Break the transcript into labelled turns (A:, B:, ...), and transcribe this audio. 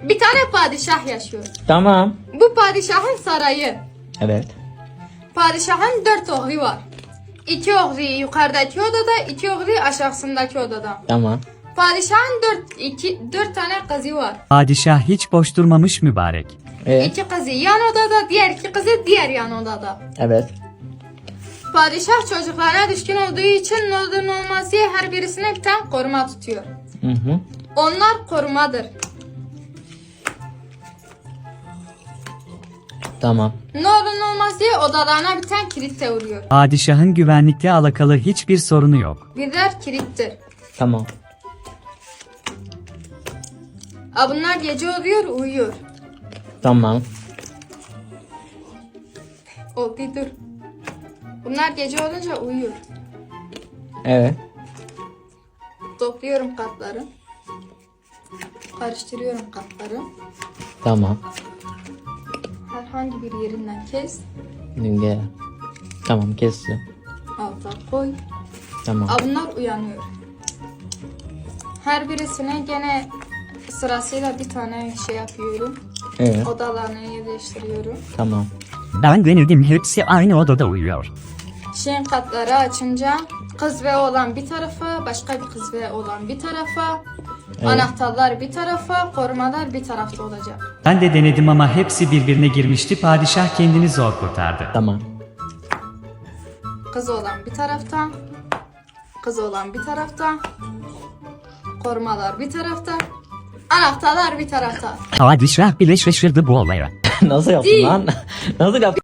A: Bir tane padişah yaşıyor.
B: Tamam.
A: Bu padişahın sarayı.
B: Evet.
A: Padişahın 4 oğlu var. 2 oğlu yukarıdaki odada, 2 oğlu aşağısındaki odada.
B: Tamam.
A: Padişahın 4 tane kızı var.
C: Padişah hiç boş durmamış mübarek.
A: 2 kızı yan odada, diğer 2 kızı diğer yan odada.
B: Evet.
A: Padişah çocuklarına düşkün olduğu için ne olur ne olmaz diye her birisine bir tane koruma tutuyor.
B: Hı.
A: Onlar korumadır.
B: Tamam.
A: Ne olur ne olmaz diye odalarına bir tane kilit de vuruyor.
C: Padişahın güvenlikle alakalı hiçbir sorunu yok.
A: Birer kilittir.
B: Tamam.
A: Bunlar gece oluyor uyuyor.
B: Tamam.
A: Oldu dur. Bunlar gece olunca uyuyor.
B: Evet.
A: Topluyorum katları. Karıştırıyorum katları.
B: Tamam.
A: Herhangi bir yerinden kes.
B: Gel. Tamam kestim.
A: Alta koy.
B: Tamam.
A: Bunlar uyanıyor. Her birisine gene sırasıyla bir tane şey yapıyorum.
B: Evet.
A: Odalarını yerleştiriyorum.
B: Tamam.
C: Ben denedim, hepsi aynı odada uyuyor.
A: Şeyin katları açınca kız ve oğlan bir tarafa, başka bir kız ve oğlan bir tarafa, anahtarlar bir tarafa, korumalar bir tarafta olacak.
C: Ben de denedim ama hepsi birbirine girmişti, padişah kendini zor kurtardı.
B: Tamam.
A: Kız oğlan bir tarafta, kız oğlan bir tarafta, korumalar bir tarafta, anahtarlar bir tarafta.
C: Padişah bile şaşırdı bu olaya.
B: Nasıl yaptın
A: Değil.
B: lan? Nasıl yaptın?